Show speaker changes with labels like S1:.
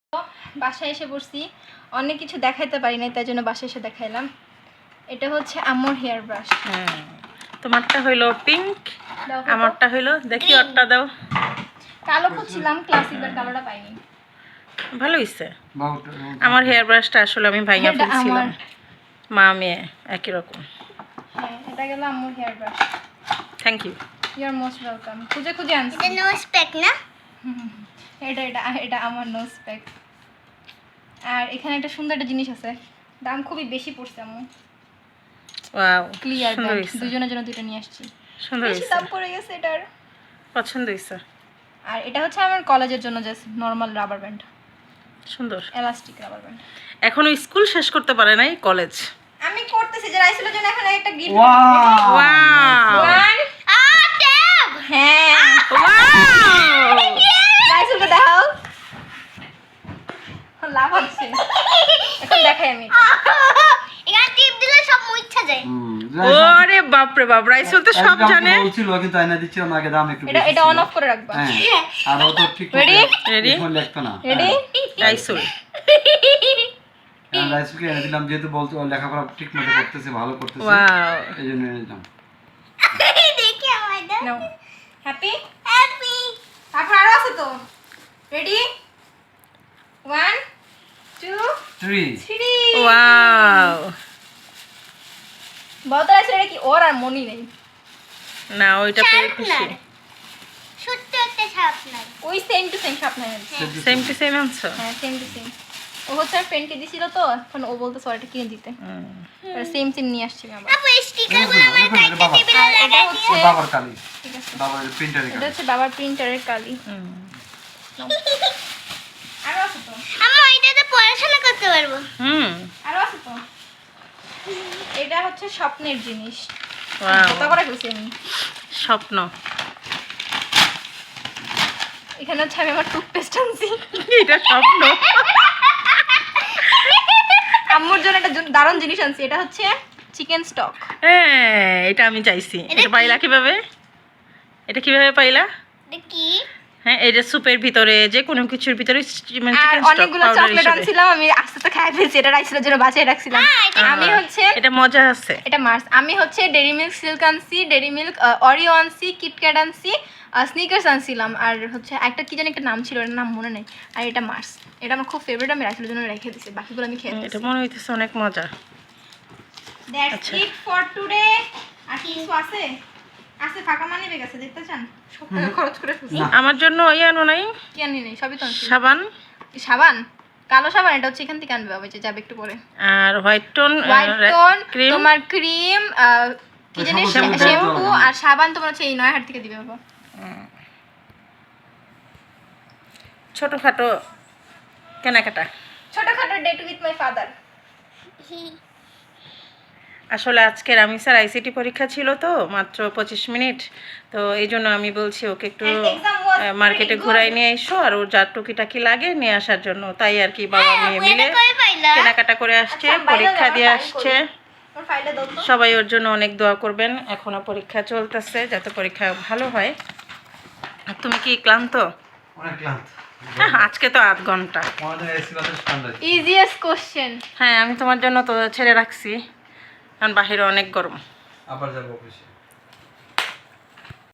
S1: বাসায় এসে পড়ছি, অনেক কিছু দেখাইতে পারি নাই, তাই জন্য বাসায় এসে দেখাইলাম। এটা হচ্ছে আম্মুর হেয়ার ব্রাশ।
S2: তোমারটা হইলো পিঙ্ক, আমারটা হইলো দেখি ওরটা দাও।
S1: কালো খুঁজছিলাম ক্লাসিক, বাট কালোটা পাইনি।
S2: ভালো হইছে। আমার হেয়ার ব্রাশটা আসলে আমি ভাঙা ফেলছিলাম, মা মেয়ে একই রকম।
S1: হ্যাঁ, এটা গেল আম্মুর hair brush.
S2: Thank you,
S1: you are most welcome. খুঁজে খুঁজে আনছি।
S3: এটা নোজ প্যাক না?
S1: এটা এটা এটা আমার নোজ প্যাক। আর এখানে একটা সুন্দর একটা জিনিস আছে, দাম খুবই বেশি পড়ছে আম্মু।
S2: ওয়াও,
S1: ক্লিয়ার
S2: সুন্দর
S1: ব্যান্ড,
S2: হইছে,
S1: দুজনের জন্য দুটো নিয়ে আসছি।
S2: সুন্দর
S1: বেশি
S2: হইছে,
S1: দাম পড়ে গেছে এটার।
S2: পছন্দ হইছে।
S1: আর এটা হচ্ছে আমার কলেজের জন্য জাস্ট নরমাল রাবার ব্যান্ড,
S2: সুন্দর।
S1: Elastic rubber band.
S2: এখনো স্কুল শেষ করতে পারে নাই, কলেজ।
S1: আমি করতেছি যে রাইসেলের জন্য এখন একটা গিফট।
S2: Wow,
S3: tab.
S1: হ্যাঁ,
S2: ওয়াও,
S1: রাইসেলকে দেখাও। লাভ হচ্ছে, এখন দেখাই আমি।
S3: এখানে টিপ দিলে সব মুইচ্ছা যায়।
S2: ওরে বাপ রে বাপ, রাইসেল তো সব জানে।
S4: বলছিল কিন্তু আয়না দিচ্ছিল না, আগে দাম একটু
S1: এটা
S4: বেশি
S1: এটা
S4: ছিল।
S1: অন অফ করে রাখবা।
S4: হ্যাঁ, আর ও তো ঠিক
S1: Ready?
S2: Ready?
S4: ফোন লিখতো না।
S1: রেডি?
S2: রাইসেল
S4: আমি রাইসুলকে এনে দিলাম, যেহেতু বলতো ও লেখাপড়া ঠিক মতো করতেছে, ভালো করতেছে,
S2: ওয়াও,
S4: এই জন্য এনে দিলাম।
S3: দেখি আমায় দাও।
S1: নাও। হ্যাপি?
S3: হ্যাপি।
S1: তারপর আরো আছে তো। রেডি? 1 2
S4: 3
S1: 3।
S2: ওয়াও।
S1: বলতে আছে এটা কি ওর আর মনি নেই।
S2: না ওইটা পেয়ে খুশি।
S3: শার্পনার। ছোট্ট একটা শার্পনার।
S1: ওই same to same sharpener.
S2: Same to same আনছো?
S1: হ্যাঁ, সেম টু সেম। ও হচ্ছে আর পেনকে দিছিল তো, এখন ও বলতে সরিটা কিনে দিতে। সেম সেম নিয়ে আসছি আমি আবার।
S3: আপু এই স্টিকারগুলো আমার কাইটে টেবিলে
S1: আর এটা
S3: লাগাই
S1: হচ্ছে
S3: দিও।
S4: বাবার কালি,
S1: ঠিক আছে।
S4: বাবার প্রিন্টারে
S1: এটা
S4: কালি।
S1: হচ্ছে বাবার প্রিন্টারের কালি। আরো আছে তো।
S3: আম্মু এটাতে পড়াশোনা করতে পারবো।
S1: আরো আছে তো। এটা হচ্ছে স্বপ্নের জিনিস।
S2: ওয়াও,
S1: কথা করে ফেলছি আমি।
S2: স্বপ্ন।
S1: এখানে হচ্ছে আমি আমার টুথপেস্ট আনছি।
S2: এটা স্বপ্ন।
S1: আম্মুর জন্য একটা দারুণ জিনিস আনছি, এটা হচ্ছে চিকেন স্টক।
S2: হ্যাঁ, এটা আমি চাইছি। এটা পাইলা কিভাবে? এটা কিভাবে পাইলা?
S3: এটা কি?
S2: হ্যাঁ, এটা স্যুপের ভিতরে, যে কোনো কিছুর ভিতরে
S1: আর
S2: চিকেন স্টক
S1: অনেকগুলো
S2: পাউডার
S1: চকলেট
S2: হিসেবে।
S1: আনছিলাম, আমি আস্তে আস্তে খাই ফেলছি। এটা রাইসেলের জন্য বাঁচিয়ে রাখছিলাম। আমি হচ্ছে
S2: এটা মজা আছে।
S1: এটা মার্স। আমি হচ্ছে ডেরি মিল্ক সিল্ক আনছি, ডেরি মিল্ক অরিও আনছি, কিটক্যাট আনছি, স্নিকার্স আনছিলাম, আর হচ্ছে একটা কি জানি একটা নাম ছিল, এটার নাম মনে নেই। আর এটা মার্স, এটা আমার খুব ফেভারিট, আমি রাইসেলের জন্য রেখে দিছি, বাকিগুলো আমি খেয়ে
S2: এটা মনে হইতেছে অনেক মজা।
S1: That's it for today. আর কি কিছু আছে? আছে, ফাঁকা মানি ব্যাগ আছে, দেখতে চান? সব টাকা খরচ করে ফেলছি।
S2: আমার জন্য ওই আনো নাই,
S1: কি আনি নেই, সবই তো আনছি।
S2: সাবান
S1: সাবান, কালো সাবান, এটা হচ্ছে এখান থেকে আনবে বাবা, যে যাবে একটু পরে।
S2: আর White Tone
S1: White Tone,
S2: cream.
S1: তোমার ক্রিম, কি জানি
S4: শ্যাম্পু,
S1: শ্যাম্পু, আর সাবান তোমার হচ্ছে এই নয়াহাট থেকে দিবে বাবা।
S2: ছোটখাটো কেনাকাটা।
S1: ছোটখাটো ডেট উইথ মাই ফাদার।
S2: আসলে আজকে রামিসার আইসিটি পরীক্ষা ছিল তো, মাত্র 25 মিনিট, তো এই জন্য আমি বলছি ওকে একটু
S1: And exam was
S2: মার্কেটে
S1: pretty good.
S2: ঘুরাই নিয়ে এসো, আর ওর যা টুকিটাকি লাগে নিয়ে আসার জন্য, তাই আর কি বাবা মেয়ে
S3: আপু
S2: মিলে
S3: এটা কই পাইলা?
S2: কেনাকাটা করে আসছে,
S1: আচ্ছা, বাইরে
S2: পরীক্ষা
S1: যাওয়ার
S2: দিয়ে
S1: file
S2: আসছে।
S1: করি। ওর ফাইলটা দাও তো।
S2: সবাই ওর জন্য অনেক দোয়া করবেন, এখনো পরীক্ষা চলতেছে, যাতে পরীক্ষা ভালো হয়। আর তুমি কি ক্লান্ত?
S4: অনেক ক্লান্ত।
S2: হ্যাঁ, আজকে তো 8 ঘন্টা।
S4: আমাদের এসি বাতাস ঠান্ডা।
S1: Easiest question.
S2: হ্যাঁ, আমি তোমার জন্য তো ছেড়ে রাখছি, কারণ বাহিরে অনেক গরম।
S4: আবার যাবো অফিসে।